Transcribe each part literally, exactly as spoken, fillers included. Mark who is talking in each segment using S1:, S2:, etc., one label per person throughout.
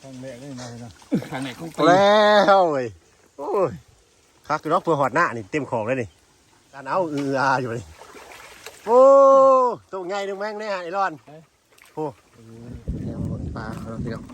S1: รั้งแรกเลยนะนะ
S2: ครั้งแรกของปี
S3: แล้วเว้ยโอ้ยคักคือรอกเพื่อหอดหน้านี่เต็มของเลยนี่การเอาอืออาอยู่นี่โอ้ตัวใหญ่ดึงแม่งเนี่ยไอ้รอนโอ้เดี๋ยวบนปลาเราเดี๋ยว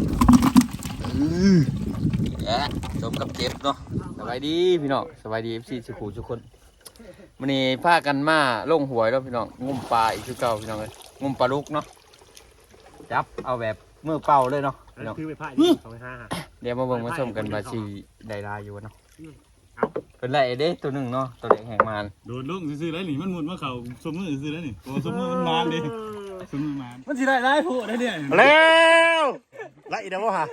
S2: และสมกับเจ็บเนาะสบายดีพี่น้องสบายดีเอฟซีสุขุทุกคนวันนี้พากันมาลงหวยแล้วพี่น้องงุ่มปลาอีกคือเก่าพี่น้องเลยงุ่มปลาลูกเนาะจับเอาแบบมือเป่าเลยเนาะพี่น้อง
S3: คือไปพายนี่เขาไปห้า
S2: เดี๋ยวมาเบิ่งมาชมกันว่าชีได้ลายอยู่เนาะเป็นไรเด้ตัวหนึ่งเนาะตัวเด็กแห่งมาน
S1: โดนลุงซื้อแล้วนี่มันหมุนมาเข่าสมมือซื้อแล้วนี่โอ้สมมือมันมานดิสมมือมานมันสิได้ได้ผู้ได้เนี่ย
S3: แล้วไล่เดี๋ยวฮะ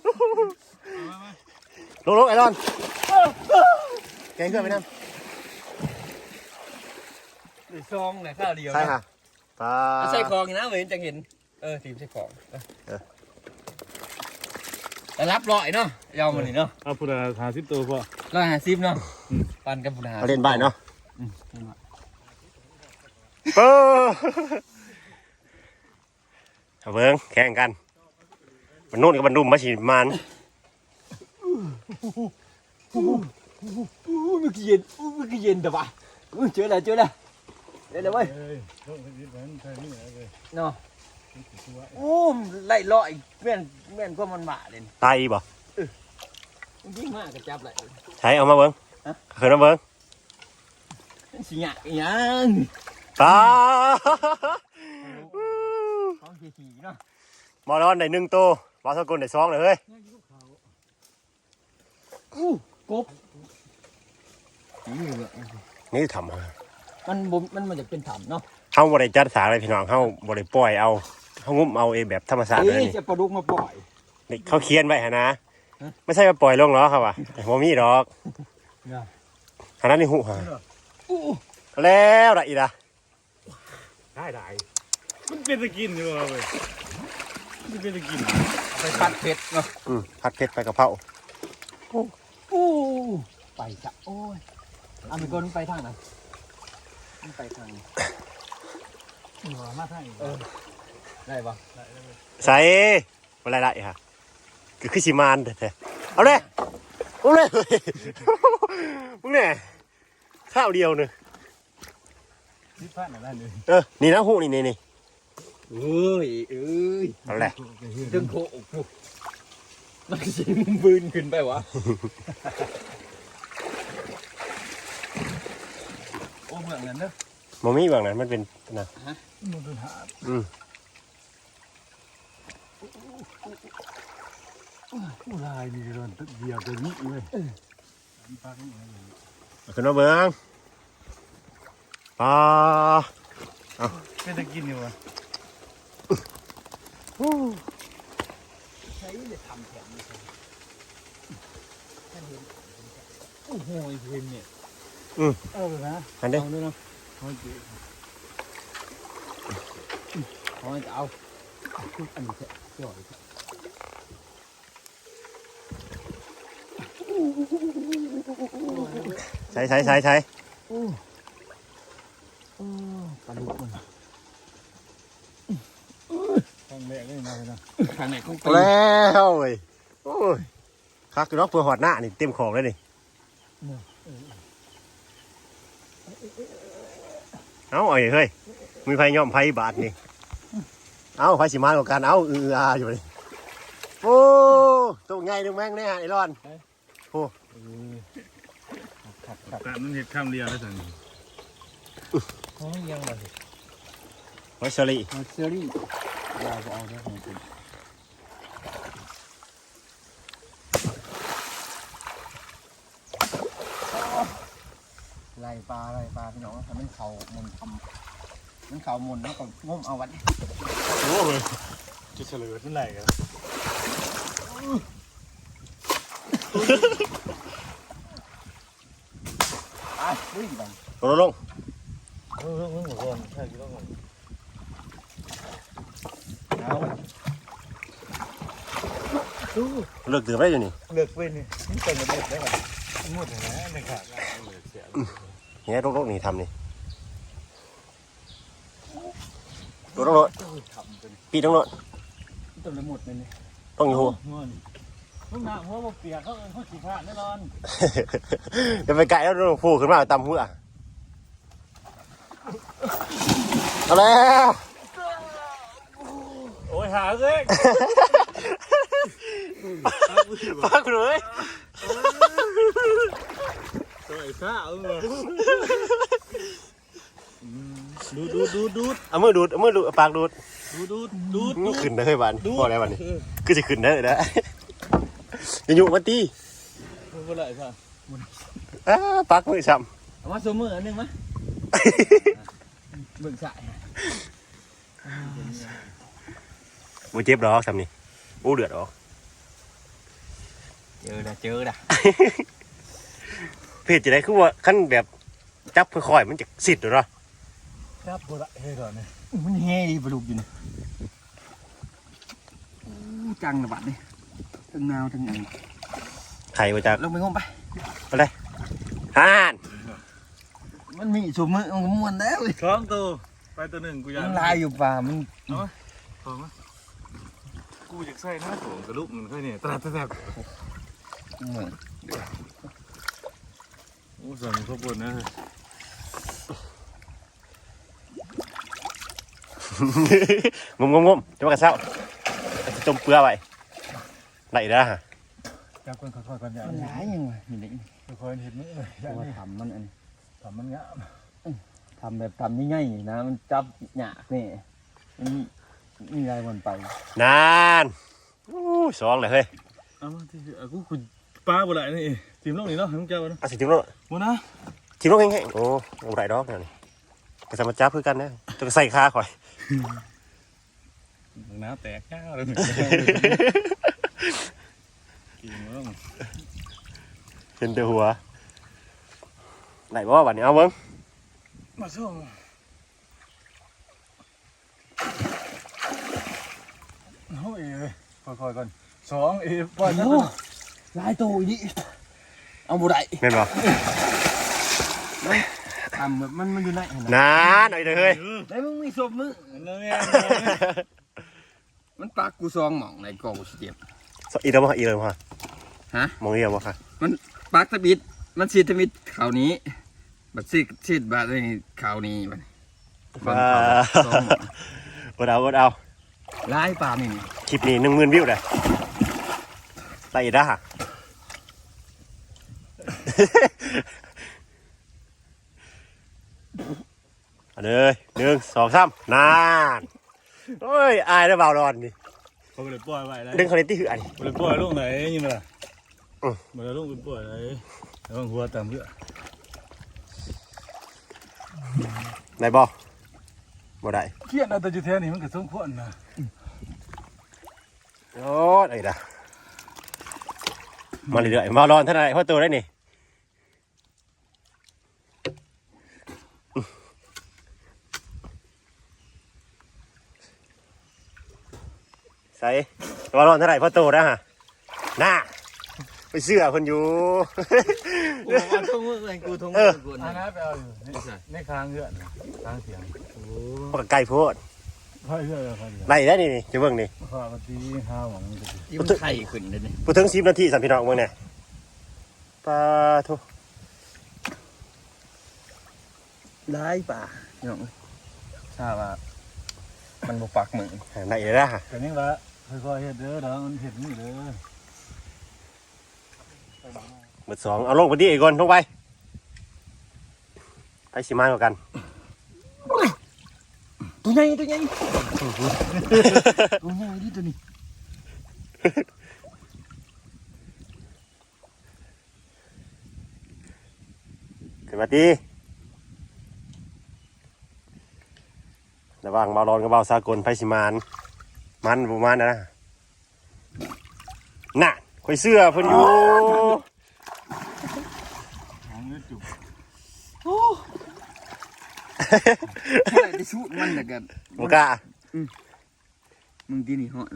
S3: ลงลงไอรอนแกงเกลือไปนั่ง
S2: หรือซองไหนข้าวเดียว
S3: ใช่ค่ะปลา
S2: ใส่คองนะเหมือนจะเห็นเออทีมใส่คองแต่รับลอยเนาะยาวมันนี่เนาะ
S1: เอาพุทธาหาสิบตัวพอ
S2: ร้อยห้าสิบเนาะปันกับพุทธา
S3: เล่นใบเนาะเออเบิ้งแข่งกันมันนู่นกับมันดุมมาฉีดมัน
S2: มันกี่เย็นมันกี่เย็นแต่ว่าเจอแล้วเจอแล้วเดี๋ยวเว้ยเนาะโอ้ไล่ลอยแม่นแม่นก็มันหมาเลย
S3: ไตบ่
S2: ยิ่งมากกระจับเลย
S3: ใช้เอามาเบิ้งเคยน้ำเบิ้ง
S2: สิหยายัง
S3: ตา
S2: ของขี่ๆเนาะ
S3: มอร้อนได้หนึ่งตัวบอสกุลได้สองเลยเฮ้ย
S2: อู้กบ
S3: นี่ทำ
S2: มันมันมันจะเป็นถ้ำเนาะ
S3: เขาบริจัดสาอะไรพี่น้องเขาบริปล่อยเอาเขางุ้มเอาเองแบบธรรมชาติเลย
S2: นี่จะปลาดุกมาปล่อย
S3: นี่เขาเคียนไว้ฮะนะไม่ใช่มาปล่อยลงหรอครับวะโมมี่ดอกฮะนั่นนี่หูฮะแล้วไรอีกอะ
S1: ได้ได้มันเป็นตะกินอยู่เลยมันเป็นตะกิน
S2: ไปผัดเผ็ดเนาะ
S3: อืมผัดเผ็ดไปกะเพรา
S2: โอ้ไปจ้ะโอ้ยอเมริกันไปทางไหนมันไปทาง
S1: หัวมาทาง
S2: เออได้ปะ
S3: ใส่อะไรได้ฮะคือขึ้นชิมานแต่เอาเลยเอาเลยมึงเนี่ยข้าวเดียวเนอะ
S1: นี่พลาดอะไรเลย
S3: เออนี่นะหูนี่นี่นี่
S2: เอ้ยเอ้ย
S3: อะไร
S2: ดึงโคกมันจะมึงบืนขึ้นไปวะโอ้เมืองนั้นเนอะ
S3: มันไม่แบบนั้นมันเป็นนะ
S1: มันเป็นหา
S3: อืม
S1: ผู้ลายมีเรื่องเดียวตัวนี้เลย
S3: ขึ้นมาเบิ้งปลา
S1: เอาเป็นตะกินอยู่วะ
S2: ใช้เลยทำแผนโอ้โหเพนเนี่ย
S3: อืม
S1: เอาเลยนะ
S3: อันเดียว
S1: เนาะเขาจะ
S2: เขาจะเอาทุกอันนี้เจ่อย
S3: ใช้ใช้ใช้ใช้
S2: ปลาดุกมัน
S1: ครั้งแรกเลยนะนะ
S2: ครั้งแรกของปี
S3: แล้วเว้ยโอ้ยคักคือรอกเพื่อหอดหน้านี่เต็มของเลยนี่เอาเอาอย่างเฮ้ยมีไฟย่อมไฟบาทนี่เอาไฟสีมานกว่ากันเอาอืออาอยู่เลยโอ้ตัวใหญ่ดึงแม่งเนี่ยไอ้รอนโอ้
S1: แต่มันเห็ดข้ามเรียแล้วสิ
S2: เขายังไง
S3: ไวเชอรี่
S2: ไวเชอรี่เราจะเอาได้ของคุณไล่ปลาไล่ปลาพี่น้องทำให้เขามุนทำมันเขามุนแล้วก็งมเอาวัน
S1: โอ้ยจะเฉลิมนั่นแหละครับ
S2: วิ่งไป
S3: ลงลง
S1: เออเออหมดก่อนใช่กี่รอบก่อน
S2: เอา
S3: เลือกตื่นได้อยู่นี่
S1: เลือกเป็นนี่นี่เป็นระเบิดได้ก่อนหมดเลยนะในขาดเลยเสีย
S3: เนี่ยรกๆนี่ทำนี่ตัวรถปีต้องรถ
S2: ตัวละหมดเลยนี่
S3: ต้องอยู่
S1: ลูกหน้าหัวบกเปียกเขาเอิ้นเขาขี้ข้าแน่นอน
S3: เดี๋ยวไปไก่แล้วโดนฟูขึ้นมาตำหัวเอาแล้ว
S1: โอ้ยหาเอ้ย
S3: ปักเลย
S1: ตัวไอ้ข้าเออดูดดูดดูดดูด
S3: เอามือดูดเอามือดูดเอาปากดูด
S1: ดูดดูดดูดดูด
S3: ขึ้นได้เฮ้ยบ้านพอแล้วบ้านนี้คือจะขึ้นได้เลยนะอย่าอยู่มาตี
S1: เมื่อไหร่ค่ะ
S3: อ้าปักมือซ้
S2: เอามาสมืออันหนึงมั้ยเบิ่งสาย
S3: ำมือเจ็บหรอกซ้ำนี่โอ้เดือดหรอก
S2: เจอละเจอละ
S3: เพจจะได้คือว่าขั้นแบบจับค่อยๆมันจะสิทธิ์หรอ
S1: ครับบ่ละเฮ้ยก่อนเนี่ย
S2: มันแห่ดีปลาดุกอยู่นี่อู้จังระบาดนี่ทั้งนาวทั้งอัน
S3: ไข่มาจาก
S2: ลงไปงมไป
S3: ไปเลยฮ่าน
S2: มันมีสมือมันก็ม่วนแล้วเลย
S1: ท้องตัวไปตัวหนึ่งกูอยาก
S2: มันลายอยู่ป่ามัน
S1: เอาไหมท้องไหมกูอยากใส่หน้าตัวกระลุกมันค่อยเนี่ยตราแทบ
S2: เหมือน
S1: โอ้สั่งข้าวบนนะ
S3: งมงมงมจะมากระเซ้าจะจมเปลือกไว้ไหนได้ฮะ
S1: จับคนค่อยๆกันอย่าง
S2: มัน
S1: นี้
S2: หลายยังไงนี่นี่
S1: ค่อยๆเห็นไหมเอ้ยอย่าง
S2: ว่า
S1: นี้
S2: ทำมันอันนี้
S1: ทำมันงาม
S2: ทำแบบทำง่ายๆนะมันจับหยากนี่มันมีอะไรมันไป
S3: นานอู้สองเลยเฮ้ย
S1: เอามาที่เอากูคุณป้าบ่ได้นี่ทีมน้องนี่เนาะให้มึงเจ้าเนาะ
S3: เอาสิทีมโน้น
S1: บ่นะ
S3: ทีมโน้นแห้งๆโอ้โหไรดอกเนี่ยนี่กระสมาจับเพื่อกันนะจะใส่ขาข่อย
S1: น้ำแตกก้าวเลยกินมั้ง
S3: เห็นแต่หัวไหนบ่วันนี้เอาเบิ้ง
S1: มาส่งโอ้ยค่อยๆก่อนสองเอปล่อยนะ
S2: โอ้ลายตัวอีนี่เอาบุได้
S3: เห็นบ่
S2: ทำแบบมันมันอยู่ไหน
S3: นานหน่อยเลยเฮ้ย
S2: แล้วมึงมีศพมึง
S1: นั่นไง
S2: มันปากกูซองหม่องในกอกูเจ็บ
S3: อีกแล้วบ่อีกแล้วบ่
S2: ฮะ
S3: มองอีกแล้วบ่ค่ะ
S2: มันปากตะบิดมันซีดตะบิดข่าวนี้บัดซีดซีดบาดในข่าวนี้บัดบัดข่าวซองหม่อง
S3: กดเอากดเอา
S2: ลายป่านี่
S3: คลิปนี้หนึ่งหมื่นวิวเลยไล่ได้ฮะ เอาเลยหนึ่งสองสามนานโอ้ยอายได้เบาร้อนนี่
S1: เขาเลยปล่อยไว้แล้ว
S3: ดึงคาเลตี้คืออันนี้
S1: เขาเลยปล่อยลงไหนยังไงล่ะ
S3: อืม
S1: มาลงไปปล่อยไหนแล้วหัวตามเพื่อ
S3: ไหนบ่บ่ได้
S1: เขียนเอาแต่จุดแท้นี่มันก็สมควรนะ
S3: โอ้ยไอ้ด่ามาเรื่อยๆมาร้อนเท่าไหร่เพราะตัวได้นี่ใส่มาร้อนเท่าไหร่เพราะตัวนะฮะน่าไปเชื่อคนอยู่
S2: กูเอาทุ่งมือไอ้กูทุ่ง
S3: เอ
S2: มื
S3: อ
S2: อกู
S1: อัน
S2: นะ
S1: นั้นไปเอาอยู่ในคางเพื่อนคางเสียงโอ้
S3: พวกไก่โพด
S1: ค่อยเพื่อนค่อยเดียว
S3: ไล่ได้นี่นี่จะเบิ่งนี่
S1: ข้าวตีข้าวหวังจะ
S2: ที่มันไข่ขึ้นเลยนี่
S3: พูดถึงสิบนาทีสัมพี่น้องเบิ่งเนี่ยปลาทุ
S2: ลายป่าพี่น้องทราบว่ามันบ่ปักมือ
S3: ไหนเลยนะฮะ
S1: แต่นี่ละค่อยๆเห็ดเด้อเดี๋ยวมันเห็ดนี่เด้อ
S3: เบอร์สองเอาลงไปที่อีกคนลงไปไปสิมากว่ากัน
S2: ตัวใหญ่ตัวใหญ่ตัวใหญ่ดิตัวนี้
S3: ขึ้นมาตีระหว่างเบาร้อนกับเบาสากลไปสิมานมันประมาณนั้นนะน่ะคอยเสื้อเพิ่นอยู่
S1: ของเนื้อจุก
S2: ได้ชุดมันแต่กัน
S3: บกล้า
S2: มึงที่นี่เหาะ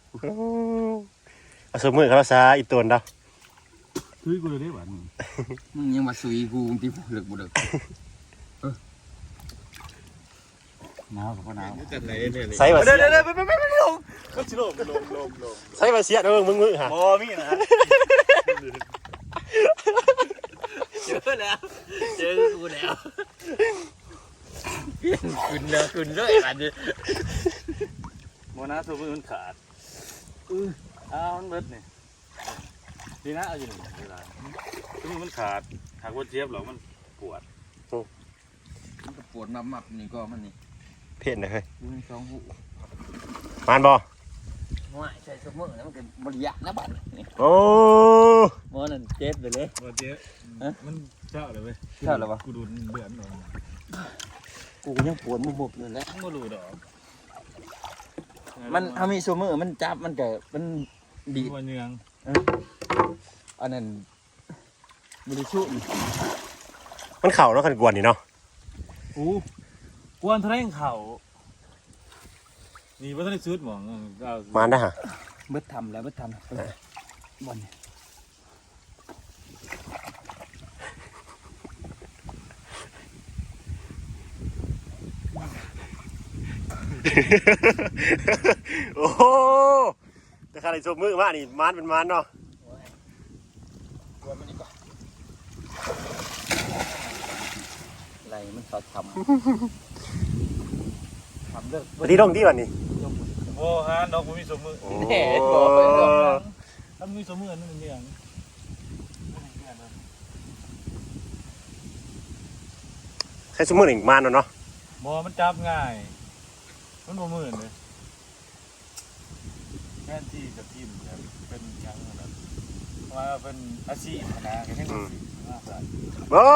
S3: เอาสมือเขาซาอีตัวเดา
S1: ซื้อกูเลยได้หวาน
S2: มึงยังมาซุยกูที่เลิกบ่เลิก
S1: หนาวกับพ่อหนาว
S3: ใส่มา
S2: เดี๋
S3: เสี
S2: ยวย เดี๋ยวไปไปไปไปลง
S1: ก็ชิโร่ลมลมลม
S3: ใส่มาเสียเด้อมึงมึงฮะ
S1: โอ้มีนะ
S2: เจอแล้วเจอกูแล้วเปลี่ยนขึ้นแล้วขึ้นเลยอันนี้
S1: โมนาตัวมันขาดอืออ้าวมันเบิดนี่ดีนะเอาอยู่หนึ่งเวลาตัวมันขาดหากว่าเจี๊ยบหรอกมันปวด
S2: มันก็ปวดมับมับนี่ก็มันนี่
S3: เพ่นนะเฮ้ย
S2: ดูในสองหู
S3: มานบ่
S2: ว่าใส่สมองแล้วมันก็บริยะนะบัดนี่
S3: โอ้
S2: มอนั่นเจ็บไปเลย
S1: ว่าเจี๊ยบมันเจ้าเลยเว้ยกูดูเดือดหน่อย
S2: กูยังปวดมุบๆอยู่แล้ว
S1: ไม่รู้ดอก
S2: มันทำให้สมองมันจับมันก็มันดี
S1: วันยัง
S2: อันนั้นบริสุทธิ์
S3: มันเข่าเนาะคันกวนนี่เนาะ
S1: อู้กวนทะเลเข่านี่ว่าทะเลซุดหมอง
S3: มานได้ฮะ
S2: เบิดทำแล้วเบิดทำบอลเนี่ย
S3: โอ้โหแต่ข้าได้ชมมือมานี่มานเป็นมานเนาะ
S2: กวนมันดีกว่าอะไรมันสอดทำทำเลิก
S3: วันนี้ต้องที่วันนี้
S1: โอ้ฮะน้องมีสมมือ
S3: โอ้
S2: แหน่บอกไปก่อน
S1: ถ้ามีสมมือนั่นเนี่ย
S3: ใช้ชมมือหนึ่งมานเนาะเนาะ
S1: บอมันจับง่ายมันบ่มือเลยแค่ที่กับทีมเป็นยังแบบว่าเป็นอาชีพนะแค่นี้
S3: โอ้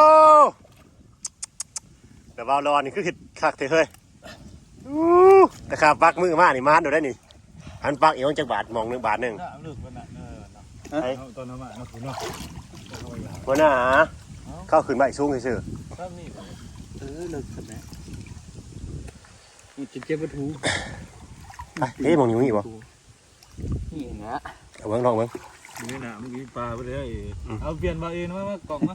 S3: แต่บอลรอนี่คือคักเถอะเฮ้ยอู้แต่ข้าปักมือมานี่มานดูได้นี่อันปักอีกจักบาทมองหนึ่งบาทหนึ่ง
S1: น่าเลือกวันน่ะเออตอนนั้นมาเนาะคุณเนาะ
S3: วันน่ะเข้าขึ้นมาอีกสูงเฉย
S1: ถ้านี่
S2: เออเลิกกันนะมันจะเจ็บปะทู
S3: ๆไปเฮ้ยมองอยู่นี่บ่
S2: นี่นะ
S3: เอาเบิ้งลองเบิ้ง
S1: นี่นะเมื่อกี้ปลาไปเลยเอาเปลี่ยนมาเองมามากล่องมา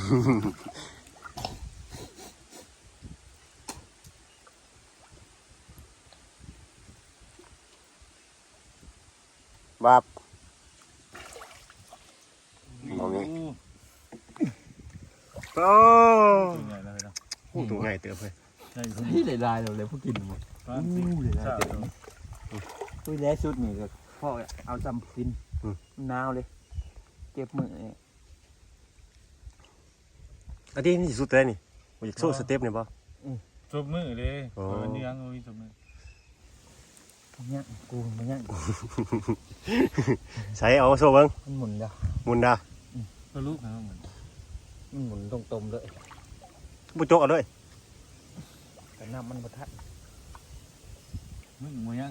S3: บาบมองนี่โอ้
S1: ตัวใหญ่เลยเนาะ
S3: ตัวง่ายเติบเลย
S1: ใช่คุณ
S2: ที่ได้ลายเราเลยพวกกินหมด
S1: ปลาสิใช่
S2: คุยแล้วชุดนี่ก็พ่อเอาจำกินหนาวเลยเก็บมือเนี่ย
S3: อันนี้นี่สุดเลยนี่มันจะโซ่สเต็ปเนี่ยป่ะ
S1: จบมือเลยเออนี่ยังมีจบมือ
S2: มันยังกูมันยัง
S3: ใช้เอาโซ่เบิ้ง
S2: มันหมุนแล้ว
S3: หมุนดา
S1: ก็ลูกนะเหมือน
S2: มันหมุนตรงๆเลย
S3: บุจกเอาด้วย
S2: แต่น้ำมันบทัด
S1: มึงมวยยัง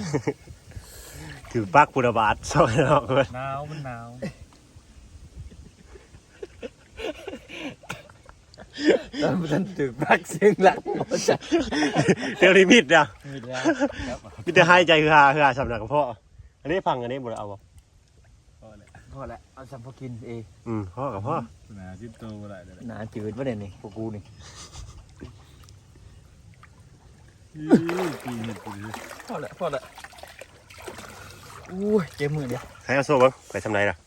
S3: ถือปักปุระบาทซอยเนาะเลย
S1: หนาวมันหนาว
S2: แล้วมันถึงรักเสียงหลักหมดจ้ะ
S3: เดี๋ยวนี้มิดอ่ะ
S2: มีแล้ว
S3: มิดจะหายใจคือหาคือหาสำนักกับพ่ออันนี้พังอันนี้บุระเอาบ่
S1: พอแล้ว
S2: พอแล้วเอาจำพอกินเอง
S3: อืมพ่อกับพ่อ
S1: หนาจิ้มโตอะไรเดี๋ยว
S2: หนาจืดวะเนี่ยนี่พวกกูนี่
S1: ปีเห็ดปี
S2: พอแล้วพอแล้วอู้ยเจ็บมือเดียว
S3: ใช้เอาโซ่เบิ้งไปทำไรล่ะ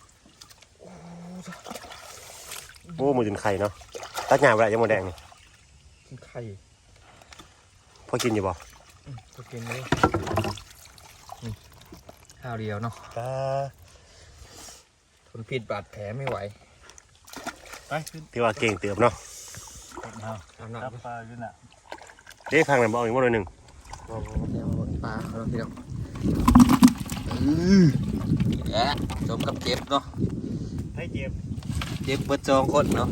S3: โอ้มือจนไข่เนาะตัดหญ้าไปยังโมแดงนี่
S2: กินไข่
S3: พอกินอยู่บ่
S2: พอกินเลยนี่ข้าวเดียวเนาะ
S3: ตา
S2: ทนพิษบาดแผลไม่ไหว
S1: ไปขึ้น
S3: ที่ว่าเก่งเติบเนาะ
S1: เอา
S2: เอาหนัก
S1: จับปลาขึ้นอ่ะ
S3: เด้พังนั่นบ่เอาอีกบ่หน่อยหนึง
S2: เดี๋ยวปลาเราพี่น้องนี่แหละสมกับเจ็บเนาะ
S3: ให้เจ็บ
S2: เจ็บเบิดจองคนเนาะ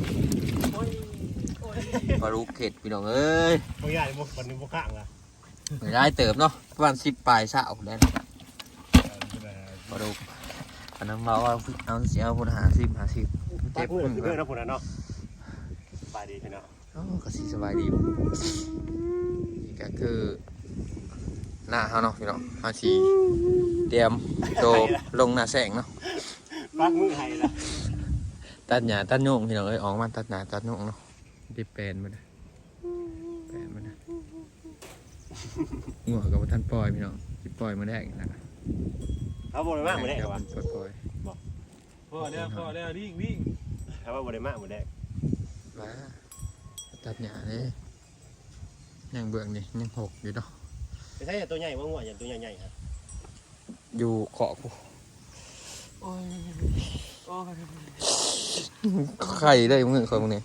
S2: ปลาลูกเข็ดพี่น้องเอ้ย
S3: บ่ใหญ่บ่ปันนี้บ่ข้างอ่ะ
S2: ไม่ได้เติบเนาะประมาณสิบปลายสาวแล้วปลาลูกอันนั้นเราเอาเอาเสียเอาคนหาสิบหาสิบ
S3: เจ็
S2: เจ็
S3: บบ มือ
S2: มือ
S3: คือเด้อเนาะพุ่นน่ะเนาะสบายดีพี่เนาะ
S2: อ๋อก็สิสบายดีนี่ก็คือหน้าเขาเนาะพี่น้องเขาสีเตรียมโตลงหน้าแสงเนาะ
S3: ปักมือให้ล่ะ
S2: ตัดหญ้าตัดโยงพี่น้องเอ้ยออกมาตัดหญ้าตัดโยงเนาะที่แปลนมาเลยแปลนมาเลยงัวกับท่านปล่อยพี่น้องสิปล่อยมาแรกนะ
S3: เอาบ่ได้มากหมดแดก
S2: เดี๋ยว
S3: ว่ะ
S2: มันปล่อย
S1: พ่อแล้วพ่อแล้ววิ่งวิ่ง
S3: ถ้าว่าบ่ได้มากหมดแดก
S2: ๆมาตัดหญ้าเลยยังเบื้องนี่ยังหกอยู่เนาะ
S3: ไม่ใช่ตัวใหญ่ว่างัวอย่างตัวใหญ่ๆครับ
S2: อยู่เกาะกู
S1: โอ้ยโอ้ย
S2: ไข่ได้มึงคนมึงนี่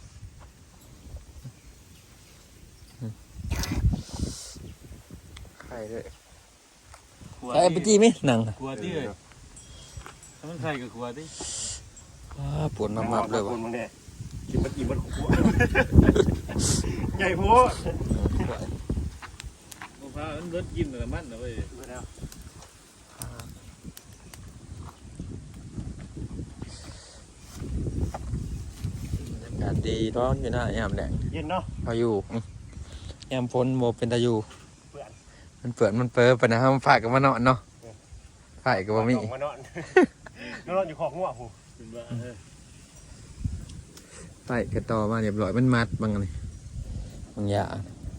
S2: ไข่ได้ไอ้ปจีไหมหนัง
S1: กลัวที่เลยถ้ามันใครก็กลัวที่
S2: ว้าปวดมากๆเลย
S3: ค
S2: ว่ะ
S3: นมึงเนี่ยกินมันกินมันขวใหญ่โพด
S1: มะพร้าวมันเบิดกินแต่มันนะเว้ย
S2: อากาศดีร้อนอยู่หน้ายามแดง
S3: เย็นเนาะ
S2: พายุอืมยามฝนโมเป็นตายุ
S3: เปื่อน
S2: มันเปื่อนมันเปิดไปนะฮะมันฝากกับมานอนเนาะฝากกับบ่มี
S3: มานอนนอนอยู่ขอกงัวผู้
S1: เป็นว่าเออ
S2: ฝากกระต่อมาเรียบร้อยมันมัดบางอะไรบางอย่าง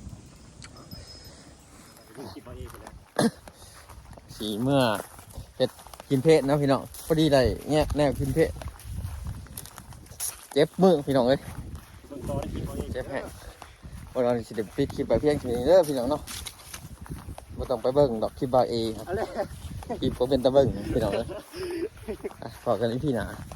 S3: คิดมาเองเลย
S2: สีเมื่อเห็ดกินเพชรนะพี่น้องพอดีได้แงกแนวกินเพชรเจ็บมือพี่น้องเอ้ย
S3: ต้นตอได้คิดมาเอง
S2: เจ็บแห้งวันนี้สิเดี๋ยวปิดคลิปไปเพียงแค่นี้เด้อพี่น้องเนาะไม่ต้องไปเบิ่งดอกคลิปบาเอครับ
S3: อะไร
S2: คลิปก็เป็นตะเบิ่งพี่น้องเอ้ยอ่ะพอกันอีกพี่หนา